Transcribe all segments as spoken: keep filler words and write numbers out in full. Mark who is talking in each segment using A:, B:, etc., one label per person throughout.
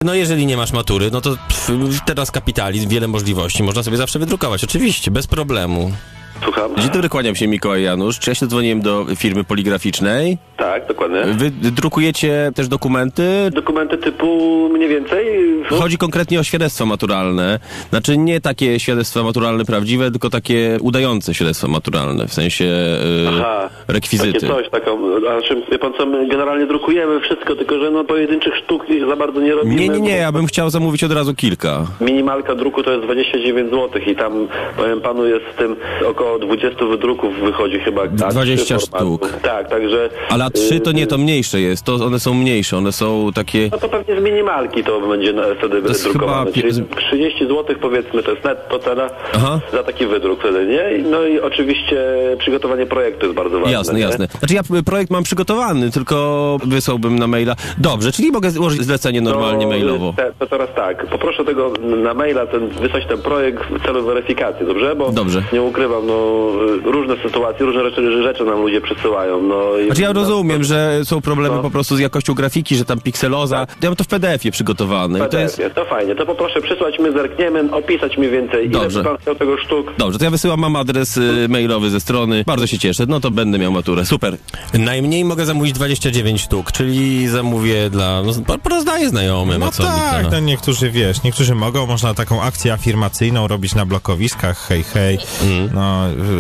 A: No jeżeli nie masz matury, no to pff, teraz kapitalizm, wiele możliwości, można sobie zawsze wydrukować, oczywiście, bez problemu.
B: Słucham.
C: Dzień dobry, kłaniam się, Mikołaj Janusz. Czy ja się dzwoniłem do firmy poligraficznej?
B: Tak, dokładnie.
C: Wy drukujecie też dokumenty?
B: Dokumenty typu mniej więcej?
C: Chodzi konkretnie o świadectwa maturalne. Znaczy nie takie świadectwa maturalne prawdziwe, tylko takie udające świadectwa maturalne, w sensie yy,
B: Aha,
C: rekwizyty.
B: Takie coś, taką, a czym, wie pan co, my generalnie drukujemy wszystko, tylko że no pojedynczych sztuk za bardzo nie robimy.
C: Nie, nie, nie, ja bym chciał zamówić od razu kilka.
B: Minimalka druku to jest dwadzieścia dziewięć złotych i tam, powiem panu, jest w tym około dwadzieścia wydruków wychodzi chyba.
C: dwadzieścia sztuk.
B: Tak, także...
C: Ale a trzy to nie, to mniejsze jest, to one są mniejsze, one są takie...
B: No to pewnie z minimalki to będzie na, wtedy wydrukowane. Chyba... Czyli trzydzieści złotych powiedzmy, to jest netto cena Aha. za taki wydruk wtedy, nie? No i oczywiście przygotowanie projektu jest bardzo ważne.
C: Jasne,
B: nie?
C: jasne. Znaczy ja projekt mam przygotowany, tylko wysłałbym na maila. Dobrze, czyli mogę złożyć zlecenie normalnie
B: no,
C: mailowo.
B: Te, to teraz tak, poproszę tego na maila, ten, wysłać ten projekt w celu weryfikacji, dobrze? Bo
C: dobrze.
B: Nie ukrywam, no różne sytuacje, różne rzeczy, rzeczy nam ludzie przysyłają. No, i
C: znaczy ja rozumiem, no, że są problemy
B: no. po
C: prostu z jakością grafiki, że tam pikseloza. Tak. Ja mam to w P D F ie przygotowane.
B: W P D F ie, to, jest... to fajnie. To poproszę przysłać, my zerkniemy, opisać mniej więcej,
C: dobrze.
B: ile pan chciał tego sztuk.
C: Dobrze, to ja wysyłam, mam adres y, mailowy ze strony. Bardzo się cieszę, no to będę miał maturę. Super.
A: Najmniej mogę zamówić dwadzieścia dziewięć sztuk, czyli zamówię dla... No, porozdaję znajomym.
D: No
A: o co
D: tak,
A: mi
D: no niektórzy, wiesz, niektórzy mogą, można taką akcję afirmacyjną robić na blokowiskach, hej, hej, mm. no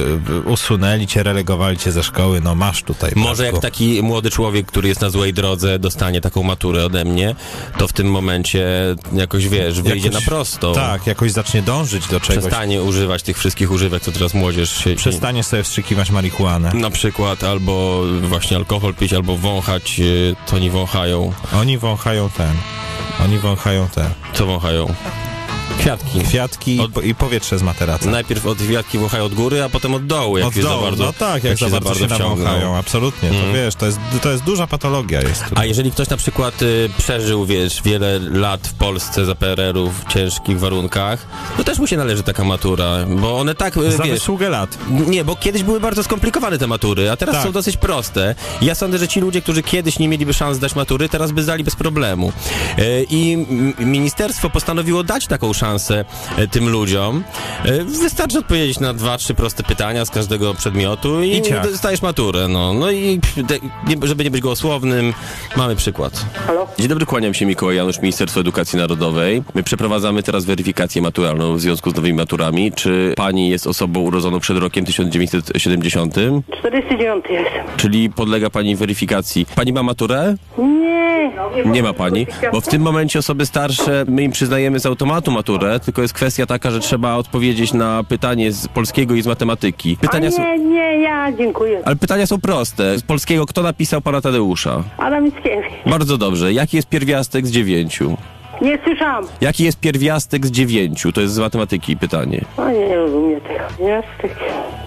D: usunęli cię, relegowali cię ze szkoły, no masz tutaj.
A: Może
D: bratku.
A: jak taki młody człowiek, który jest na złej drodze, dostanie taką maturę ode mnie, to w tym momencie jakoś, wiesz, wyjdzie
D: jakoś,
A: na prosto.
D: Tak, jakoś zacznie dążyć do czegoś.
A: Przestanie używać tych wszystkich używek, co teraz młodzież się...
D: Przestanie sobie wstrzykiwać marihuanę.
A: Na przykład, albo właśnie alkohol pić, albo wąchać, to oni wąchają.
D: Oni wąchają ten. Oni wąchają te.
A: Co wąchają? Kwiatki.
D: Kwiatki
A: od...
D: i powietrze z materaca.
A: Najpierw od kwiatki wąchają od góry, a potem od dołu, jak
D: od
A: się
D: dołu,
A: za bardzo,
D: no tak, jak, jak za bardzo się nawąchają, absolutnie,
A: mm.
D: to wiesz, to jest, to jest duża patologia. Jest
A: a jeżeli ktoś na przykład y, przeżył, wiesz, wiele lat w Polsce za P R L u w ciężkich warunkach, to też mu się należy taka matura, bo one tak, y,
D: za
A: wiesz...
D: wysługę lat.
A: Nie, bo kiedyś były bardzo skomplikowane te matury, a teraz tak. są dosyć proste. Ja sądzę, że ci ludzie, którzy kiedyś nie mieliby szans zdać matury, teraz by zdali bez problemu. Y, I ministerstwo postanowiło dać taką szansę y, tym ludziom. Y, wystarczy odpowiedzieć na dwa, trzy proste pytania z każdego przedmiotu i, I dostajesz maturę. No, no i te, nie, żeby nie być gołosłownym, mamy przykład.
B: Halo?
C: Dzień dobry, kłaniam się, Mikołaj Janusz, Ministerstwo Edukacji Narodowej. My przeprowadzamy teraz weryfikację maturalną w związku z nowymi maturami. Czy pani jest osobą urodzoną przed rokiem tysiąc dziewięćset siedemdziesiątym?
E: czterdzieści dziewięć jestem.
C: Czyli podlega pani weryfikacji. Pani ma maturę?
E: Nie.
C: Nie ma pani, bo w tym momencie osoby starsze, my im przyznajemy z automatu maturę, tylko jest kwestia taka, że trzeba odpowiedzieć na pytanie z polskiego i z matematyki. Pytania
E: A nie,
C: są...
E: nie, ja dziękuję.
C: Ale pytania są proste. Z polskiego kto napisał pana Tadeusza?
E: Adam Mickiewicz.
C: Bardzo dobrze. Jaki jest pierwiastek z dziewięciu?
E: Nie słyszałam.
C: Jaki jest pierwiastek z dziewięciu? To jest z matematyki pytanie.
E: A nie, nie rozumiem tego. Jastek.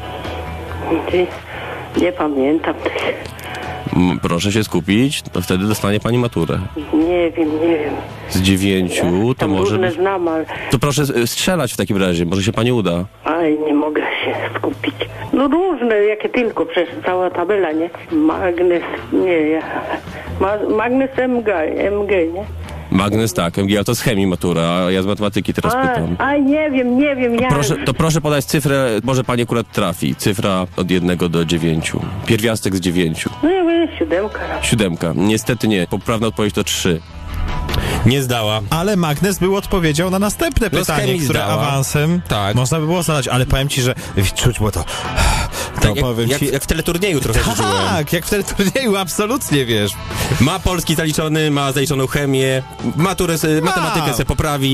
E: Nie, nie pamiętam tego.
C: M proszę się skupić, to wtedy dostanie pani maturę.
E: Nie wiem, nie wiem.
C: Z dziewięciu to
E: Tam
C: może...
E: różne znam, ale...
C: To proszę strzelać w takim razie, może się pani uda.
E: Aj, nie mogę się skupić. No różne, jakie tylko, przecież cała tabela, nie? Magnes, nie, ja... Ma, magnes M G, M G, nie?
C: Magnes tak, M G, ale to z chemii matura, a ja z matematyki teraz
E: a,
C: pytam.
E: A nie wiem, nie wiem, ja...
C: Proszę, to proszę podać cyfrę, może pani akurat trafi. Cyfra od jednego do dziewięciu. Pierwiastek z dziewięciu.
E: No ja wiem, siódemka.
C: Siódemka. Niestety nie. Poprawna odpowiedź to trzy.
A: Nie zdała.
D: Ale Magnes był odpowiedział na następne
A: no
D: pytanie, które
A: zdała.
D: awansem
A: tak.
D: można by było zadać, ale powiem ci, że czuć było to... To
A: tak,
D: powiem
A: jak,
D: ci...
A: jak, jak w teleturnieju trochę
D: Tak,
A: czułem.
D: jak w teleturnieju, absolutnie, wiesz.
A: Ma polski zaliczony, ma zaliczoną chemię, maturę, matematykę se poprawi.